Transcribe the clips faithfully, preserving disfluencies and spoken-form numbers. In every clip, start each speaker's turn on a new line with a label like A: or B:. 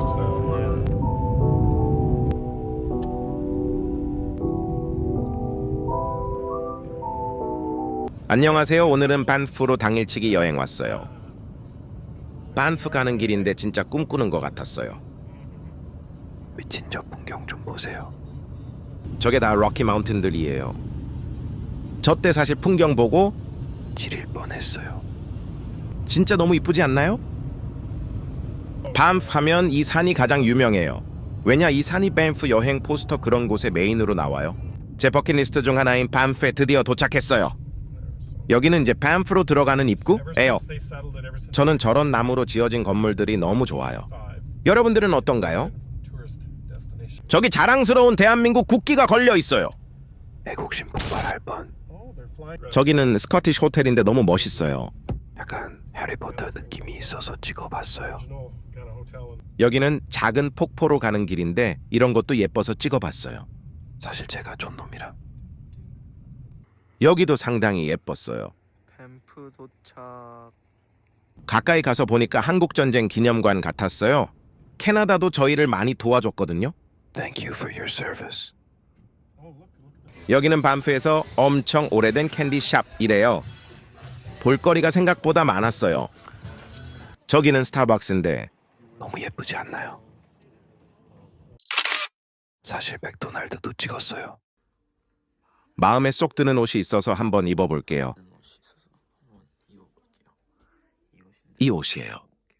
A: house now. Yeah.
B: 안녕하세요. 오늘은 반프로 당일치기 여행 왔어요. 반프 가는 길인데 진짜 꿈꾸는 것 같았어요.
C: 미친 저 풍경 좀 보세요.
B: 저게 다 럭키 마운틴들이에요. 저 때 사실 풍경 보고
C: 지릴 뻔했어요.
B: 진짜 너무 이쁘지 않나요? 반프 하면 이 산이 가장 유명해요. 왜냐, 이 산이 반프 여행 포스터 그런 곳에 메인으로 나와요. 제 버킷리스트 중 하나인 반프에 드디어 도착했어요. 여기는 이제 반프로 들어가는 입구예요. 저는 저런 나무로 지어진 건물들이 너무 좋아요. 여러분들은 어떤가요? 저기 자랑스러운 대한민국 국기가 걸려 있어요.
C: 애국심 폭발할 뻔.
B: 저기는 스코티시 호텔인데 너무 멋있어요.
C: 약간 해리포터 느낌이 있어서 찍어봤어요.
B: 여기는 작은 폭포로 가는 길인데 이런 것도 예뻐서 찍어봤어요.
C: 사실 제가 촌놈이라.
B: 여기도 상당히 예뻤어요.
D: 밴프 도착.
B: 가까이 가서 보니까 한국전쟁 기념관 같았어요. 캐나다도 저희를 많이 도와줬거든요.
C: Thank you for your service.
B: 여기는 반프에서 엄청 오래된 캔디샵이래요. 볼거리가 생각보다 많았어요. 저기는 스타벅스인데
C: 너무 예쁘지 않나요? 사실 맥도날드도 찍었어요.
B: 마음에 쏙 드는 옷이 있어서 한번 입어볼게요. 이 옷이에요.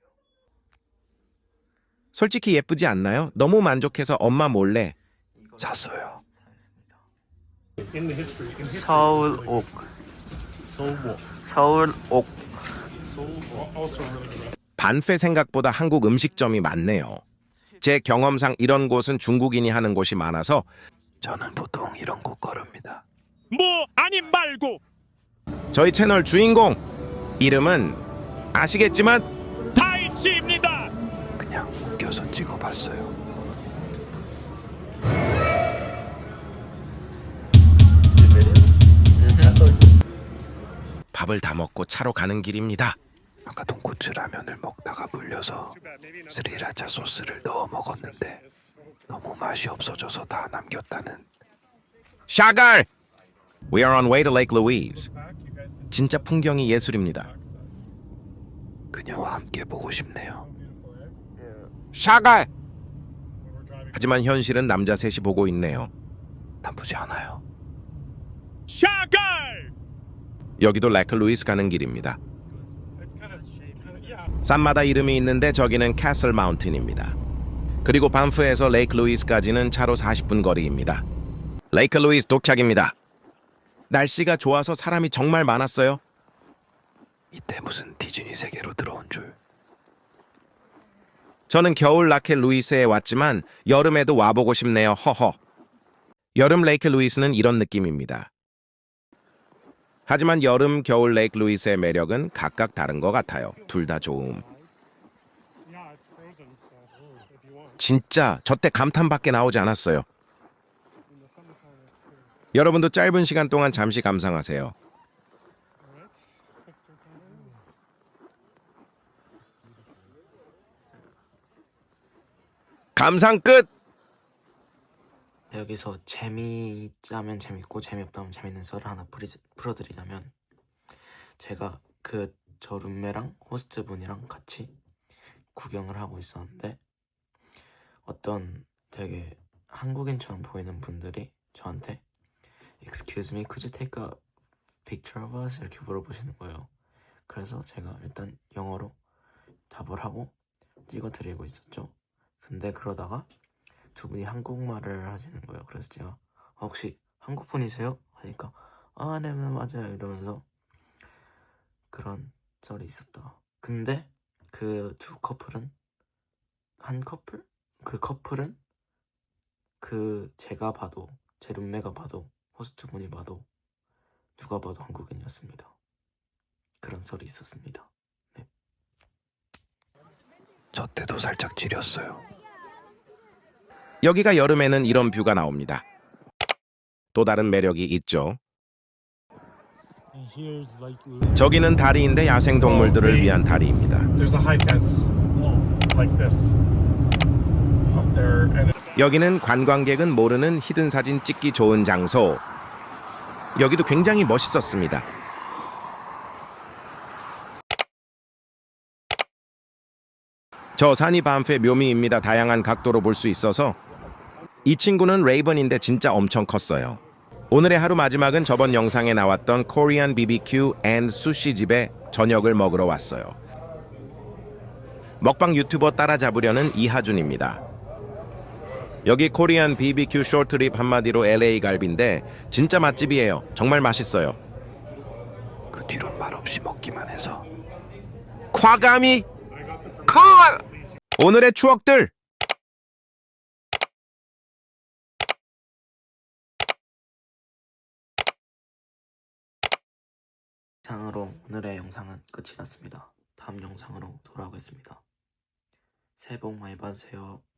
B: 솔직히 예쁘지 않나요? 너무 만족해서 엄마 몰래
C: 샀어요.
A: In the history, in history,
D: 서울옥.
A: Seoul Walk.
D: 서울옥.
A: Seoul Walk, also really good.
B: 반페 생각보다 한국 음식점이 많네요. 제 경험상 이런 곳은 중국인이 하는 곳이 많아서
C: 저는 보통 이런 곳 걸읍니다.
E: 뭐 아님 말고
B: 저희 채널 주인공 이름은 아시겠지만
E: 다이치입니다.
C: 그냥 웃겨서 찍어봤어요.
B: 밥을 다 먹고 차로 가는 길입니다.
C: 아까 돈코츠 라면을 먹다가 물려서 스리라차 소스를 넣어 먹었는데 너무 맛이 없어져서 다 남겼다는.
B: 샤갈! We are on way to Lake Louise. 진짜 풍경이 예술입니다.
C: 그녀와 함께 보고 싶네요.
B: 샤갈! 하지만 현실은 남자 셋이 보고 있네요.
C: 나쁘지 않아요.
E: 샤갈!
B: 여기도 레이크 루이스 가는 길입니다. 산마다 이름이 있는데 저기는 캐슬 마운틴입니다. 그리고 반프에서 레이크 루이스까지는 차로 사십 분 거리입니다. 레이크 루이스 도착입니다. 날씨가 좋아서 사람이 정말 많았어요.
C: 이때 무슨 디즈니 세계로 들어온 줄.
B: 저는 겨울 라켓 루이스에 왔지만 여름에도 와보고 싶네요. 허허. 여름 레이크 루이스는 이런 느낌입니다. 하지만 여름, 겨울 레이크 루이스의 매력은 각각 다른 것 같아요. 둘 다 좋음. 진짜 저 때 감탄밖에 나오지 않았어요. 여러분도 짧은 시간 동안 잠시 감상하세요. 감상 끝!
D: 여기서 재미있자면 재밌고 재미없다면 재밌는 썰을 하나 풀이, 풀어드리자면, 제가 그 저 룸메랑 호스트분이랑 같이 구경을 하고 있었는데 어떤 되게 한국인처럼 보이는 분들이 저한테 Excuse me, could you take a picture of us? 이렇게 물어보시는 거예요. 그래서 제가 일단 영어로 답을 하고 찍어드리고 있었죠. 근데 그러다가 두 분이 한국말을 하시는 거예요. 그래서 제가 아, 혹시 한국 분이세요? 하니까 아, 네, 네, 맞아요. 이러면서 그런 썰이 있었다. 근데 그 두 커플은 한 커플? 그 커플은 그 제가 봐도, 제 룸메가 봐도, 호스트 분이 봐도 누가 봐도 한국인이었습니다. 그런 썰이 있었습니다. 네.
C: 저 때도 살짝 지렸어요.
B: 여기가 여름에는 이런 뷰가 나옵니다. 또 다른 매력이 있죠. 저기는 다리인데 야생동물들을 위한 다리입니다.
A: There's a high fence, like this. were at
B: 여기는 관광객은 모르는 히든 사진 찍기 좋은 장소. 여기도 굉장히 멋있었습니다. 저 산이 반프의 묘미입니다. 다양한 각도로 볼 수 있어서. 이 친구는 레이번인데 진짜 엄청 컸어요. 오늘의 하루 마지막은 저번 영상에 나왔던 코리안 비비큐 앤 수시 집에 저녁을 먹으러 왔어요. 먹방 유튜버 따라잡으려는 이하준입니다. 여기 코리안 비비큐 쇼트립 한마디로 엘에이 갈비인데 진짜 맛집이에요. 정말 맛있어요.
C: 그 뒤론 말없이 먹기만 해서
B: 과감히 컷! 오늘의 추억들!
D: 이상으로 오늘의 영상은 끝이 났습니다. 다음 영상으로 돌아오겠습니다. 새해 복 많이 받으세요.